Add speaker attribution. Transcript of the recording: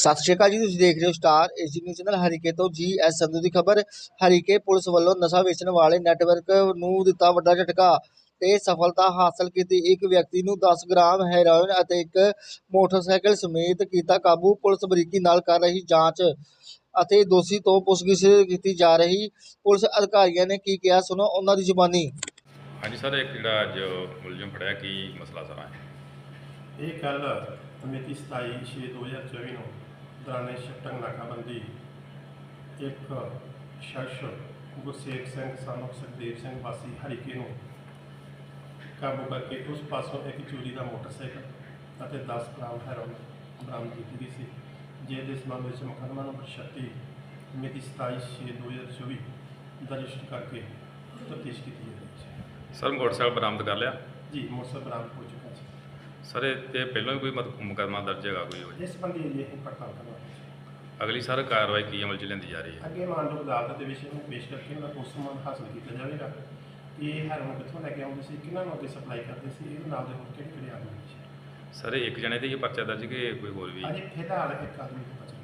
Speaker 1: ਸਤਿ ਸ਼੍ਰੀ ਅਕਾਲ ਜੀ। ਤੁਸੀਂ ਦੇਖ ਰਹੇ ਹੋ star A G news channel. Harike ਤੋਂ ਜੀ.ਐਸ. ਸੰਧੂ ਦੀ ਖਬਰ। ਹਰੀਕੇ ਪੁਲਿਸ ਵੱਲੋਂ ਨਸ਼ਾ ਵੇਚਣ ਵਾਲੇ ਨੈਟਵਰਕ ਨੂੰ ਦਿੱਤਾ ਵੱਡਾ ਝਟਕਾ ਤੇ ਸਫਲਤਾ ਹਾਸਲ ਕੀਤੀ। ਇੱਕ ਵਿਅਕਤੀ ਨੂੰ 10 ਗ੍ਰਾਮ ਹੈਰੋਇਨ ਅਤੇ ਇੱਕ ਮੋਟਰਸਾਈਕਲ ਸਮੇਤ ਕੀਤਾ ਕਾਬੂ। ਪੁਲਿਸ ਬਰੀਕੀ ਨਾਲ ਕਰ ਰਹੀ ਜਾਂਚ ਅਤੇ ਦੋਸ਼ੀ ਤੋਂ ਪੁੱਛਗਿੱਛ ਕੀਤੀ ਜਾ ਰਹੀ। ਪੁਲਿਸ ਅਧਿਕਾਰੀਆਂ ਨੇ ਕੀ ਕਿਹਾ, ਸੁਣੋ ਉਹਨਾਂ ਦੀ ਜ਼ੁਬਾਨੀ।
Speaker 2: ਹਾਂਜੀ ਸਰ, ਇੱਕ ਜਿਹੜਾ ਅੱਜ ਮੁਲਜ਼ਮ ਫੜਿਆ, ਕੀ ਮਸਲਾ ਸਾਰਾ ਹੈ?
Speaker 3: ਇਹ ਕੱਲ ਮਿਤੀ 27/6/2024 ਨੂੰ ਦੌਰਾਨੇ ਸ਼ਿਫਟਿੰਗ ਨਾਕਾਬੰਦੀ ਇੱਕ ਸ਼ਖਸ ਗੁਰਸੇਵ ਸਿੰਘ ਸਾਨੂੰ ਸੁਖਦੇਵ ਸਿੰਘ ਵਾਸੀ ਹਰੀਕੇ ਨੂੰ ਕਾਬੂ ਕਰਕੇ ਉਸ ਪਾਸੋਂ ਇੱਕ ਚੋਰੀ ਦਾ ਮੋਟਰਸਾਈਕਲ ਅਤੇ 10 ਗ੍ਰਾਮ ਹੈਰੋਇਨ ਬਰਾਮਦ ਕੀਤੀ ਗਈ ਸੀ, ਜਿਸ ਦੇ ਸੰਬੰਧ ਵਿੱਚ ਮੁਕੱਦਮਾ ਨੰਬਰ 36 ਮਿਤੀ 27/6/2024 ਦਰਜ ਕਰਕੇ ਤਫਤੀਸ਼ ਕੀਤੀ ਜਾ ਰਹੀ ਹੈ।
Speaker 2: ਸਰ, ਮੋਟਰਸਾਈਕਲ ਬਰਾਮਦ ਕਰ ਲਿਆ
Speaker 3: ਜੀ, ਮੋਟਰਸਾਈਕਲ ਬਰਾਮਦ ਹੋ ਚੁੱਕਾ ਸੀ।
Speaker 2: ਸਰ, ਇਹ 'ਤੇ ਪਹਿਲਾਂ ਵੀ ਕੋਈ ਮੁਕੱਦਮਾ ਦਰਜ ਹੈਗਾ ਕੋਈ?
Speaker 3: ਇਸ ਸੰਬੰਧੀ ਅਜੇ ਅਸੀਂ ਪੜਤਾਲ ਕਰਨਾ ਹੈ।
Speaker 2: ਅਗਲੀ ਸਰ ਕਾਰਵਾਈ ਕੀ ਅਮਲ 'ਚ ਲੈਂਦੀ ਜਾ ਰਹੀ ਹੈ?
Speaker 3: ਅੱਗੇ ਮਾਨਯੋਗ ਅਦਾਲਤ ਦੇ ਵਿਸ਼ੇ ਨੂੰ ਪੇਸ਼ ਕਰਕੇ ਉਹਨਾਂ ਦਾ ਪੋਸਟਮਾਰਟਮ ਹਾਸਲ ਕੀਤਾ ਜਾਵੇਗਾ ਕਿ ਇਹ ਹੈਰੋਇਨ ਕਿੱਥੋਂ ਲੈ ਕੇ ਆਉਂਦੇ ਸੀ, ਕਿਹਨਾਂ ਨੂੰ ਅੱਗੇ ਸਪਲਾਈ ਕਰਦੇ ਸੀ, ਇਹਦੇ ਨਾਲ ਦੇ ਹੋਰ ਕਿਹੜੇ ਕਿਹੜੇ ਆਦਮੀ ਸੀ।
Speaker 2: ਸਰ, ਇਹ ਇੱਕ ਜਣੇ 'ਤੇ ਹੀ ਪਰਚਾ ਦਰਜ ਕਿ ਕੋਈ ਹੋਰ ਵੀ?
Speaker 3: ਅਜੇ ਫਿਲਹਾਲ ਇੱਕ ਆਦਮੀ ਦਾ ਪਰਚਾ